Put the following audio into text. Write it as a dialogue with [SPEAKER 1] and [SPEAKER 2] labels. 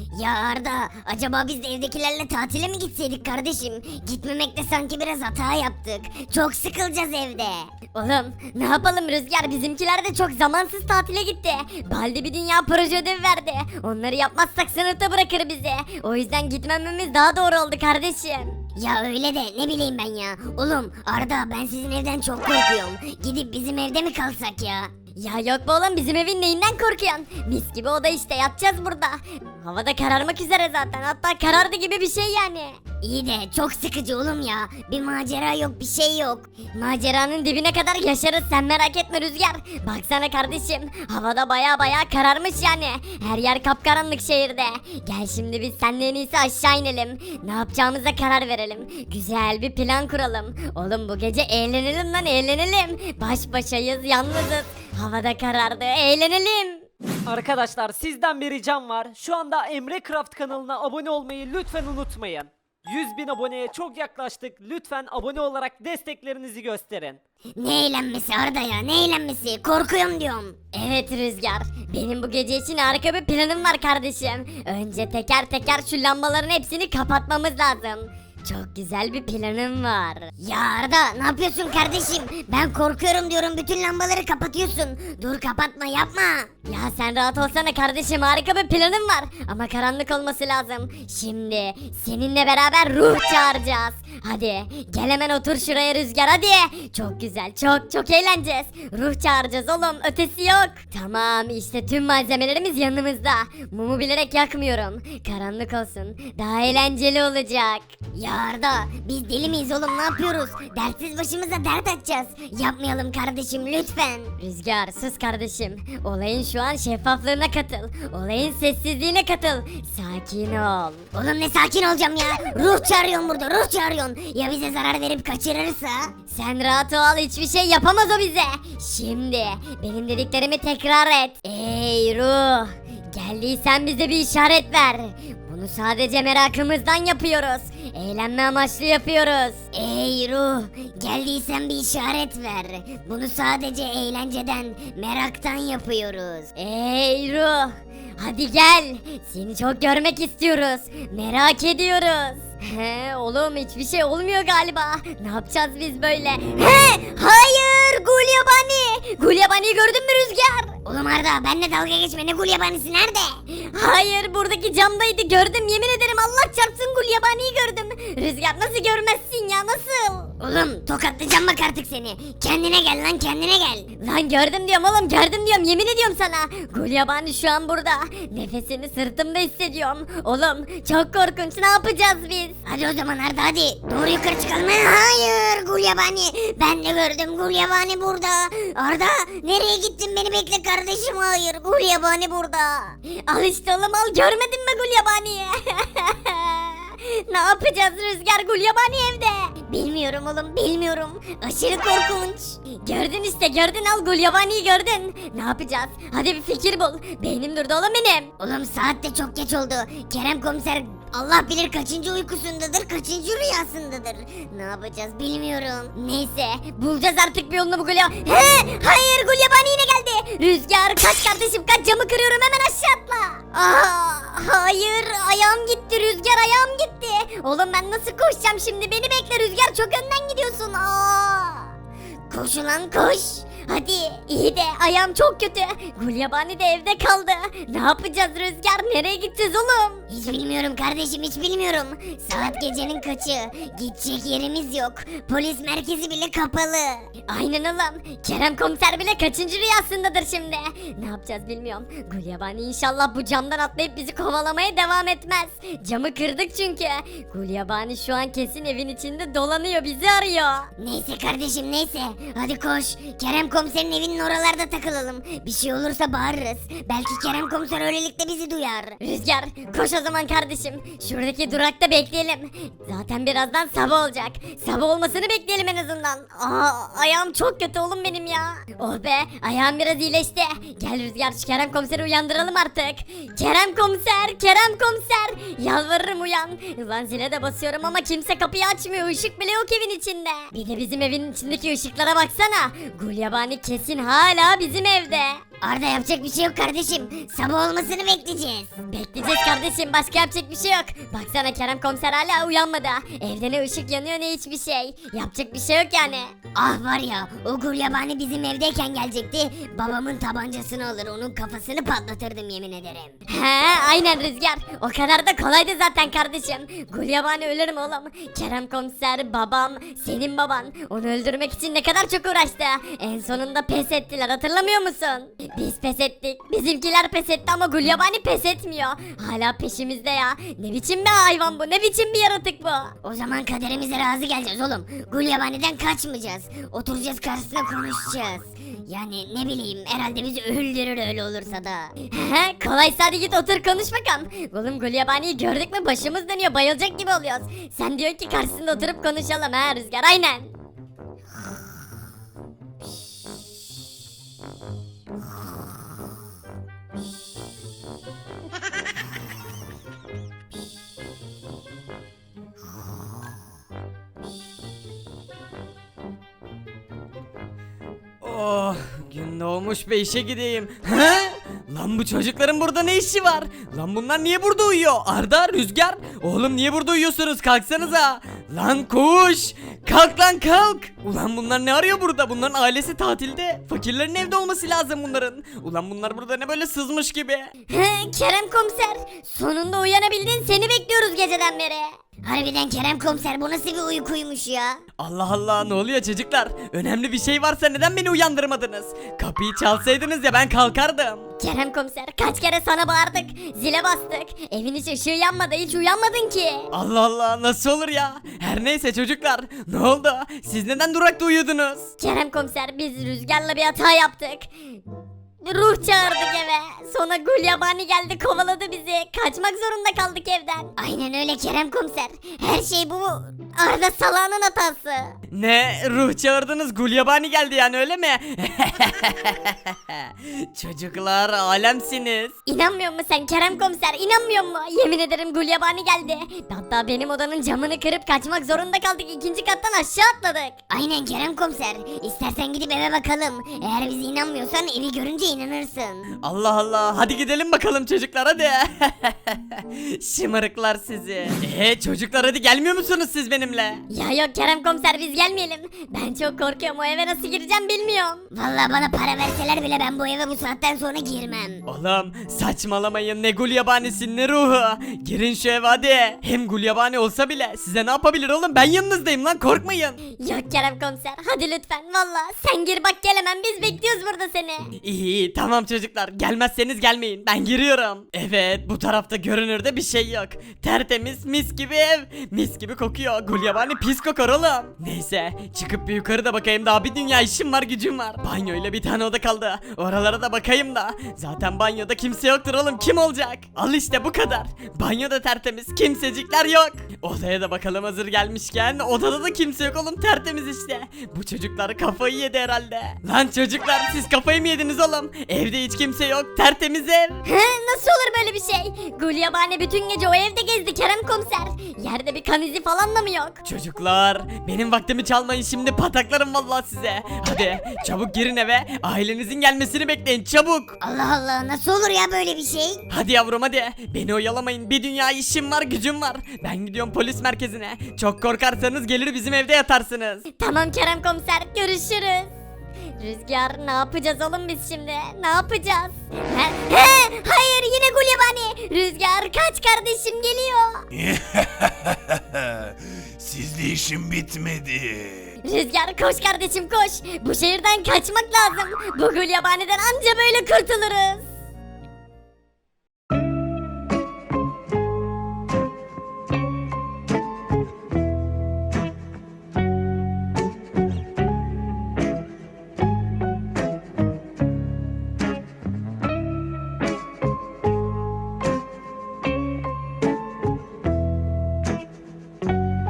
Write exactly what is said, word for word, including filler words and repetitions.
[SPEAKER 1] Ya Arda, acaba biz de evdekilerle tatile mi gitseydik kardeşim? Gitmemekte sanki biraz hata yaptık. Çok sıkılacağız evde.
[SPEAKER 2] Oğlum ne yapalım Rüzgar, bizimkiler de çok zamansız tatile gitti. Baldi bir dünya proje ödevi verdi. Onları yapmazsak sınıfta bırakır bizi. O yüzden gitmememiz daha doğru oldu kardeşim.
[SPEAKER 1] Ya öyle de ne bileyim ben ya. Oğlum Arda, ben sizin evden çok korkuyorum. Gidip bizim evde mi kalsak ya?
[SPEAKER 2] Ya yok be oğlum, bizim evin neyinden korkuyorsun? Mis gibi oda işte, yatacağız burada. Havada kararmak üzere zaten, hatta karardı gibi bir şey yani.
[SPEAKER 1] İyi de çok sıkıcı oğlum ya. Bir macera yok, bir şey yok.
[SPEAKER 2] Maceranın dibine kadar yaşarız, sen merak etme Rüzgar. Baksana kardeşim, havada baya baya kararmış yani. Her yer kapkaranlık şehirde. Gel şimdi biz seninle en iyisi aşağı inelim. Ne yapacağımıza karar verelim. Güzel bir plan kuralım. Oğlum bu gece eğlenelim lan, eğlenelim. Baş başayız, yalnızız. Havada karardı, eğlenelim.
[SPEAKER 3] Arkadaşlar sizden bir ricam var. Şu anda Emre Craft kanalına abone olmayı lütfen unutmayın. yüz bin aboneye çok yaklaştık. Lütfen abone olarak desteklerinizi gösterin.
[SPEAKER 1] Ne eğlenmesi Arda ya, ne eğlenmesi? Korkuyorum diyorum.
[SPEAKER 2] Evet Rüzgar, benim bu gece için harika bir planım var kardeşim. Önce teker teker şu lambaların hepsini kapatmamız lazım. Çok güzel bir planım var.
[SPEAKER 1] Ya Arda, ne yapıyorsun kardeşim? Ben korkuyorum diyorum, bütün lambaları kapatıyorsun. Dur kapatma, yapma.
[SPEAKER 2] Ya sen rahat olsana kardeşim, harika bir planım var. Ama karanlık olması lazım. Şimdi seninle beraber ruh çağıracağız. Hadi gel hemen otur şuraya Rüzgar, hadi. Çok güzel, çok çok eğleneceğiz. Ruh çağıracağız oğlum, ötesi yok. Tamam, işte tüm malzemelerimiz yanımızda. Mumu bilerek yakmıyorum. Karanlık olsun, daha eğlenceli olacak.
[SPEAKER 1] Ya Arda, biz deli miyiz oğlum, ne yapıyoruz? Dertsiz başımıza dert açacağız. Yapmayalım kardeşim lütfen.
[SPEAKER 2] Rüzgar sus kardeşim. Olayın şu an şeffaflığına katıl. Olayın sessizliğine katıl. Sakin ol.
[SPEAKER 1] Oğlum ne sakin olacağım ya? Ruh çağırıyorsun burada, ruh çağırıyorsun. Ya bize zarar verip kaçırırsa?
[SPEAKER 2] Sen rahat ol, hiçbir şey yapamaz o bize. Şimdi benim dediklerimi tekrar et. Ey ruh, geldiysen bize bir işaret ver. Bunu sadece merakımızdan yapıyoruz. Eğlenme amaçlı yapıyoruz.
[SPEAKER 1] Ey ruh, geldiysen bir işaret ver. Bunu sadece eğlenceden, meraktan yapıyoruz.
[SPEAKER 2] Ey ruh, hadi gel. Seni çok görmek istiyoruz. Merak ediyoruz. He oğlum, hiçbir şey olmuyor galiba. Ne yapacağız biz böyle? He hayır, Gulyabani. Gulyabani'yi gördün mü Rüzgar?
[SPEAKER 1] Oğlum Arda, benimle dalga geçme, ne gulyabanisi nerede?
[SPEAKER 2] Hayır, buradaki camdaydı, gördüm, yemin ederim Allah çarpsın Gulyabani'yi gördüm. Rüzgar nasıl görmezsin ya, nasıl?
[SPEAKER 1] Oğlum tokatlayacağım bak artık seni. Kendine gel lan, kendine gel.
[SPEAKER 2] Lan gördüm diyorum oğlum, gördüm diyorum, yemin ediyorum sana. Gulyabani şu an burada. Nefesini sırtımda hissediyorum. Oğlum çok korkunç, ne yapacağız biz?
[SPEAKER 1] Hadi o zaman Arda, hadi. Doğru yukarı çıkalım. Hayır gulyabani. Ben de gördüm, gulyabani burada. Arda nereye gittin, beni bekle kardeşim. Hayır, gulyabani burada.
[SPEAKER 2] Al işte oğlum, al, görmedin mi Gulyabani'yi? Ne yapacağız Rüzgar, Gulyabani evde.
[SPEAKER 1] Bilmiyorum oğlum, bilmiyorum. Aşırı korkunç.
[SPEAKER 2] Gördün işte, gördün, al Gulyabani'yi gördün. Ne yapacağız? Hadi bir fikir bul. Beynim durdu oğlum benim.
[SPEAKER 1] Oğlum saat de çok geç oldu. Kerem komiser Allah bilir kaçıncı uykusundadır, kaçıncı rüyasındadır. Ne yapacağız bilmiyorum.
[SPEAKER 2] Neyse, bulacağız artık bir yolunu bu Gulya... He! Hayır, Gulyabani yine geldi. Rüzgar kaç kardeşim, kaç, camı kırıyorum, hemen aşağı atla. Aa, hayır, ayağım gitti Rüzgar, ayağım gitti. Oğlum ben nasıl koşacağım şimdi, beni bekle Rüzgar, çok önden gidiyorsun. Aa!
[SPEAKER 1] Koş ulan koş.
[SPEAKER 2] Hadi, iyi de ayağım çok kötü. Gulyabani de evde kaldı. Ne yapacağız Rüzgar, nereye gideceğiz oğlum?
[SPEAKER 1] Hiç bilmiyorum kardeşim, hiç bilmiyorum. Saat gecenin kaçı? Gidecek yerimiz yok. Polis merkezi bile kapalı.
[SPEAKER 2] Aynen oğlum. Kerem komiser bile kaçıncı rüyasındadır şimdi. Ne yapacağız bilmiyorum. Gulyabani inşallah bu camdan atlayıp bizi kovalamaya devam etmez. Camı kırdık çünkü. Gulyabani şu an kesin evin içinde dolanıyor, bizi arıyor.
[SPEAKER 1] Neyse kardeşim, neyse. Hadi koş. Kerem komiserin evinin oralarda takılalım. Bir şey olursa bağırırız. Belki Kerem komiser öylelikle bizi duyar.
[SPEAKER 2] Rüzgar koş o zaman kardeşim. Şuradaki durakta bekleyelim. Zaten birazdan sabah olacak. Sabah olmasını bekleyelim en azından. Aa, ayağım çok kötü oğlum benim ya. Oh be, ayağım biraz iyileşti. Gel Rüzgar, şu Kerem komiseri uyandıralım artık. Kerem komiser, Kerem komiser. Yalvarırım uyan. Ulan zile de basıyorum ama kimse kapıyı açmıyor. Işık bile yok evin içinde. Bir de bizim evin içindeki ışıklara baksana. Gulyabani kesin hala bizim evde.
[SPEAKER 1] Arda yapacak bir şey yok kardeşim. Sabah olmasını bekleyeceğiz.
[SPEAKER 2] Bekleyeceğiz kardeşim, başka yapacak bir şey yok. Baksana Kerem komiser hala uyanmadı. Evde ne ışık yanıyor ne hiçbir şey. Yapacak bir şey yok yani.
[SPEAKER 1] Ah var ya, o gulyabani bizim evdeyken gelecekti. Babamın tabancasını alır, onun kafasını patlatırdım yemin ederim.
[SPEAKER 2] He aynen Rüzgar. O kadar da kolaydı zaten kardeşim. Gulyabani ölürüm oğlum. Kerem komiser, babam, senin baban. Onu öldürmek için ne kadar çok uğraştı. En sonunda pes ettiler, hatırlamıyor musun? Biz pes ettik. Bizimkiler pes etti ama Gulyabani pes etmiyor. Hala peşimizde ya. Ne biçim bir hayvan bu? Ne biçim bir yaratık bu?
[SPEAKER 1] O zaman kaderimize razı geleceğiz oğlum. Gulyabani'den kaçmayacağız. Oturacağız karşısına konuşacağız. Yani ne bileyim, herhalde bizi öldürür öyle olursa da.
[SPEAKER 2] He kolaysa hadi git otur konuş bakalım. Oğlum Gulyabani'yi gördük mü başımız dönüyor, bayılacak gibi oluyoruz. Sen diyor ki karşısında oturup konuşalım ha Rüzgar, aynen.
[SPEAKER 4] Oh, gün doğmuş be, işe gideyim. He? Lan bu çocukların burada ne işi var? Lan bunlar niye burada uyuyor? Arda, Rüzgar, oğlum niye burada uyuyorsunuz? Kalksanıza. Lan koş. Kalk lan kalk. Ulan bunlar ne arıyor burada? Bunların ailesi tatilde. Fakirlerin evde olması lazım bunların. Ulan bunlar burada ne böyle sızmış gibi.
[SPEAKER 2] He Kerem komiser, sonunda uyanabildin, seni bekliyoruz geceden beri.
[SPEAKER 1] Harbiden Kerem komiser, bu nasıl bir uykuymuş ya?
[SPEAKER 4] Allah Allah, ne oluyor çocuklar? Önemli bir şey varsa neden beni uyandırmadınız? Kapıyı çalsaydınız ya, ben kalkardım.
[SPEAKER 2] Kerem komiser, kaç kere sana bağırdık, zile bastık, evin hiç ışığı yanmadı, hiç uyanmadın ki.
[SPEAKER 4] Allah Allah, nasıl olur ya? Her neyse çocuklar, ne oldu? Siz neden durakta uyudunuz?
[SPEAKER 2] Kerem komiser, biz Rüzgar'la bir hata yaptık. Ruh çağırdık eve. Sonra Gulyabani geldi, kovaladı bizi. Kaçmak zorunda kaldık evden.
[SPEAKER 1] Aynen öyle Kerem komiser. Her şey bu Arda salağının hatası.
[SPEAKER 4] Ne? Ruh çağırdınız, Gulyabani geldi yani, öyle mi? Çocuklar, alemsiniz.
[SPEAKER 2] İnanmıyor musun sen Kerem komiser? İnanmıyor mu? Yemin ederim Gulyabani geldi. Hatta benim odanın camını kırıp kaçmak zorunda kaldık. İkinci kattan aşağı atladık.
[SPEAKER 1] Aynen Kerem komiser. İstersen gidip eve bakalım. Eğer bize inanmıyorsan evi görünce inanırsın.
[SPEAKER 4] Allah Allah, hadi gidelim bakalım çocuklar, hadi. Şımarıklar sizi. Eee çocuklar, hadi gelmiyor musunuz siz benimle?
[SPEAKER 2] Ya yok Kerem komiser, biz gelmeyelim. Ben çok korkuyorum, o eve nasıl gireceğim bilmiyorum.
[SPEAKER 1] Vallahi bana para verseler bile ben bu eve bu saatten sonra girmem.
[SPEAKER 4] Oğlum saçmalamayın, ne Gulyabanisi ne ruhu. Girin şu eve hadi. Hem Gulyabani olsa bile size ne yapabilir oğlum, ben yanınızdayım lan, korkmayın.
[SPEAKER 2] Yok Kerem komiser, hadi lütfen valla. Sen gir bak, gelemem, biz bekliyoruz burada seni.
[SPEAKER 4] İyi iyi, tamam çocuklar, gelmezseniz gelmeyin, ben giriyorum. Evet, bu tarafta görünürde bir şey yok. Tertemiz, mis gibi ev. Mis gibi kokuyor. Gulyabani pis kokar oğlum. Neyse, çıkıp bir yukarı da bakayım, daha bir dünya işim var, gücüm var. Banyoyla bir tane oda kaldı. Oralara da bakayım da. Zaten banyoda kimse yoktur oğlum, kim olacak? Al işte bu kadar. Banyoda tertemiz, kimsecikler yok. Odaya da bakalım hazır gelmişken. Odada da kimse yok oğlum, tertemiz işte. Bu çocuklar kafayı yedi herhalde. Lan çocuklar, siz kafayı mı yediniz oğlum? Evde hiç kimse yok, tertemiz ev.
[SPEAKER 2] He, nasıl olur böyle bir şey? Gulyabani bütün gece o evde gezdi Kerem komiser. Yerde bir kan izi falan da mı yok?
[SPEAKER 4] Çocuklar, benim vaktimi çalmayın, şimdi pataklarım vallahi size. Hadi çabuk girin eve, ailenizin gelmesini bekleyin çabuk.
[SPEAKER 1] Allah Allah, nasıl olur ya böyle bir şey?
[SPEAKER 4] Hadi yavrum hadi, beni oyalamayın, bir dünya işim var, gücüm var. Ben gidiyorum polis merkezine. Çok korkarsanız gelir bizim evde yatarsınız.
[SPEAKER 2] Tamam Kerem komiser, görüşürüz. Rüzgar, ne yapacağız oğlum biz şimdi? Ne yapacağız? He, he, hayır yine Gulyabani. Rüzgar kaç, kardeşim geliyor.
[SPEAKER 5] Sizde işim bitmedi.
[SPEAKER 2] Rüzgar koş kardeşim koş. Bu şehirden kaçmak lazım. Bu Gulyabani'den anca böyle kurtuluruz.